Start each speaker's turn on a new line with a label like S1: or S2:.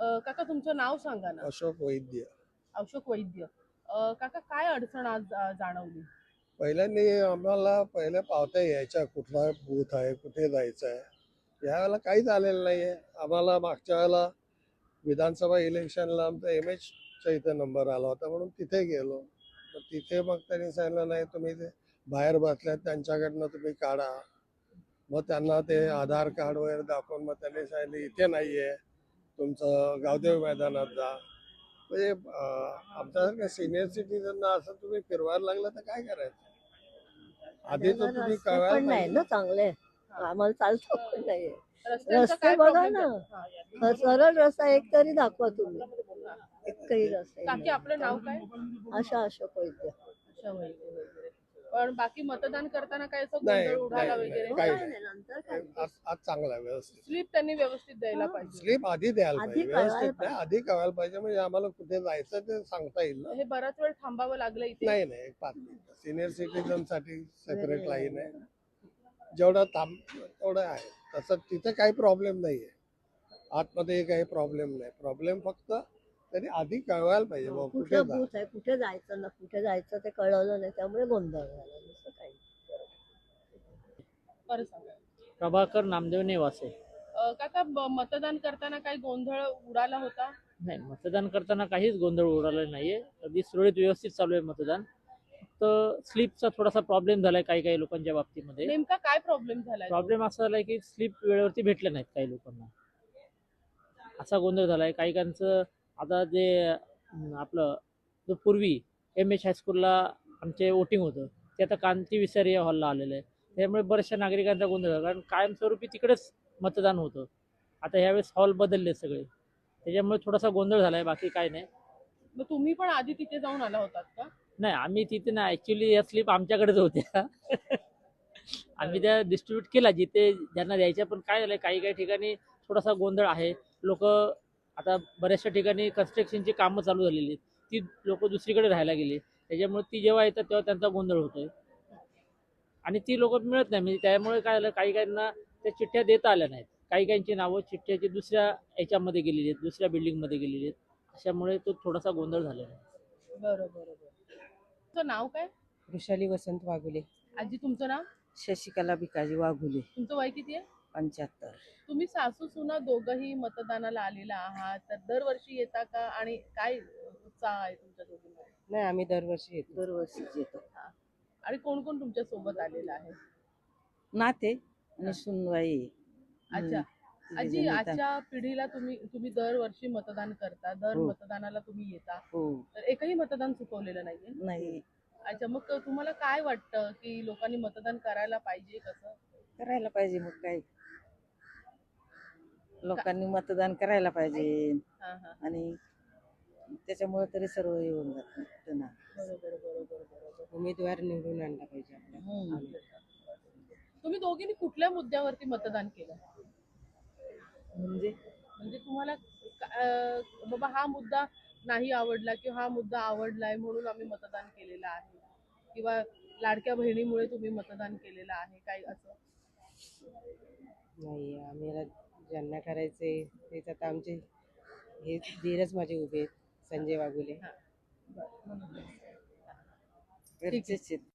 S1: काका तुमचं नाव सांगा ना.
S2: अशोक वैद्य.
S1: अशोक वैद्य. काका काय अडचण आज जाणवली?
S2: पहिल्यांदा आम्हाला पहिले पावत्या यायच्या, कुठला बूथ आहे, कुठे जायचं आहे. यावेळेला काहीच आलेलं नाहीये आम्हाला. मागच्या वेळेला विधानसभा इलेक्शनला आमचा MH इथे नंबर आला होता म्हणून तिथे गेलो. तिथे मग त्यांनी सांगितलं नाही, तुम्ही ते बाहेर बसल्यात त्यांच्याकडनं तुम्ही काढा. मग त्यांना ते आधार कार्ड वगैरे दाखवून मग त्यांनी सांगितलं इथे नाहीये, तुमचं गावदेव मैदानात जा. म्हणजे आमच्यासारख्या सिनियर सिटीजनना असं तुम्ही फिरवायला लागलं तर काय करायचं? आधी तर तुम्ही
S3: रस्ते
S2: कळवायला
S3: पण नाही
S2: पाहिजे.
S3: ना चांगले, आम्हाला चालतो पण नाही.
S1: रस्त्यांचा
S3: रस्ते
S1: काय
S3: बघा
S1: प्रॉब्लेम
S3: ना.
S1: झाला?
S3: सरळ रस्ता एक तरी दाखवा तुम्ही. एकही रस्ता
S1: काकी आपलं नाव काय?
S3: अशा अशोक वैद्य.
S1: अच्छा, वैद्य वगैरे. पण बाकी मतदान करताना काय असं
S2: नाही,
S1: गोंधळ उडाला
S2: नाही,
S1: वगैरे?
S2: काही
S3: काय नाही, नंतर काय.
S2: आज चांगला आहे, व्यवस्थित.
S1: स्लिप त्यांनी व्यवस्थित द्यायला
S3: हा.
S1: पाहिजे.
S2: स्लीप आधी द्यायला
S3: आधी
S2: पाहिजे,
S3: कळवायला
S2: व्यवस्थित नाही, आधी कळवायला पाहिजे. म्हणजे आम्हाला कुठे जायचं ते सांगता येईल ना.
S1: हे बराच वेळ थांबावं लागलं इथे.
S2: नाही नाही, एक 5 मिनिटं सिनियर सिटीजन साठी सेपरेट लाईन आहे. जेवढं तेवढं आहे. तसं तिथे काही प्रॉब्लेम नाहीये, आतमध्ये काही प्रॉब्लेम नाही. प्रॉब्लेम फक्त त्यांनी आधी कळवायला पाहिजे बुवा कुठे
S3: कुठं
S2: जा.
S3: बूथ आहे, कुठे जायचं ना, कुठे जायचं ते कळवलं नाही, त्यामुळे गोंधळ झाला, दुसरं काही.
S1: बरं सांगा.
S4: प्रभाकर नामदेव नेवासे.
S1: काका मतदान करताना काही गोंधळ उडाला होता?
S4: नाही, मतदान करताना काहीच गोंधळ उडाला नाहीये. अगदी सुरळीत व्यवस्थित चालू आहे मतदान. फक्त स्लिपचा थोडासा प्रॉब्लेम झालाय काही काही लोकांच्या बाबतीमध्ये.
S1: नेमका काय प्रॉब्लेम झालाय?
S4: प्रॉब्लेम असा झालाय की स्लिप वेळेवरती भेटल्या नाहीत काही लोकांना. असा गोंधळ झालाय काही काहींचं. आता जे आपलं जो पूर्वी MH हायस्कूलला आमचे वोटिंग होतं ते आता कांती विसारी या हॉलला आलेलं आहे. त्यामुळे बऱ्याचशा नागरिकांचा गोंधळ झाला, कारण कायमस्वरूपी तिकडेच मतदान होतं. आता ह्यावेळेस हॉल बदलले सगळे, त्याच्यामुळे थोडासा गोंधळ झालाय, बाकी काय नाही.
S1: मग तुम्ही पण आधी तिथे जाऊन आला होतात का?
S4: नाही, आम्ही तिथे नाही, ऍक्च्युली या स्लिप आमच्याकडेच होत्या. आम्ही त्या डिस्ट्रीब्यूट केला जिथे ज्यांना द्यायच्या. पण काय झालंय, काही काही ठिकाणी थोडासा गोंधळ आहे. लोक आता बऱ्याचशा ठिकाणी कन्स्ट्रक्शनची कामं चालू झालेली आहेत, ती लोक दुसरीकडे राहायला गेली, त्याच्यामुळे ती जेव्हा येतात तेव्हा त्यांचा गोंधळ होतोय आणि ती लोक मिळत नाही. म्हणजे त्यामुळे काय झालं, काही काहींना त्या चिठ्ठ्या देता आल्या नाहीत. काही काहींची नावं चिठ्ठ्याची दुसऱ्या याच्यामध्ये गेलेली आहेत, दुसऱ्या बिल्डिंगमध्ये गेलेली आहेत. अशामुळे तो थोडासा गोंधळ झालेला आहे.
S1: बरं बरं बरं. तुमचं नाव काय?
S5: वृषाली वसंत वाघुले.
S1: आजी तुमचं नाव?
S5: शशिकला भिकाजी वाघुले.
S1: तुमचं वय किती आहे?
S5: 75.
S1: तुम्ही सासू सुना दोघंही मतदानाला आलेला आहात, तर दरवर्षी येता का आणि काय उत्साह आहे तुमच्या दोघींमध्ये?
S5: नाही, आम्ही दरवर्षी येतो.
S3: दरवर्षीच येतो.
S1: आणि कोण कोण तुमच्या सोबत आलेला आहे?
S5: नाते आणि सुनवाई.
S1: अच्छा आजी, आजच्या पिढीला तुम्ही दरवर्षी मतदान करता, दर
S5: हो.
S1: मतदानाला तुम्ही येता,
S5: हो.
S1: तर एकही मतदान चुकवलेलं नाहीये?
S5: नाही,
S1: अच्छा, मग तुम्हाला काय वाटतं की लोकांनी मतदान करायला पाहिजे कसं?
S5: करायला पाहिजे. मग काय, लोकांनी मतदान करायला पाहिजे
S1: हा हा,
S5: आणि त्याच्यामुळे तरी सर्व येऊन जात ना.
S1: बरोबर बरोबर बरोबर.
S5: उमेदवार निवडून आणला पाहिजे आपल्या.
S1: तुम्ही दोघींनी कुठल्या मुद्द्यावरती मतदान केलं?
S5: म्हणजे
S1: म्हणजे तुम्हाला बाबा हा मुद्दा नाही आवडला किंवा हा मुद्दा आवडलाय म्हणून आम्ही मतदान केलेलं आहे, किंवा लाडक्या बहिणीमुळे तुम्ही मतदान केलेलं आहे, काही असं?
S5: नाही, आम्हाला ज्यांना करायचे तेच आता आमचे हे धीरच माझे उभे आहेत, संजय वाघुले.
S1: हा. बरं.
S5: घरचेच आहेत.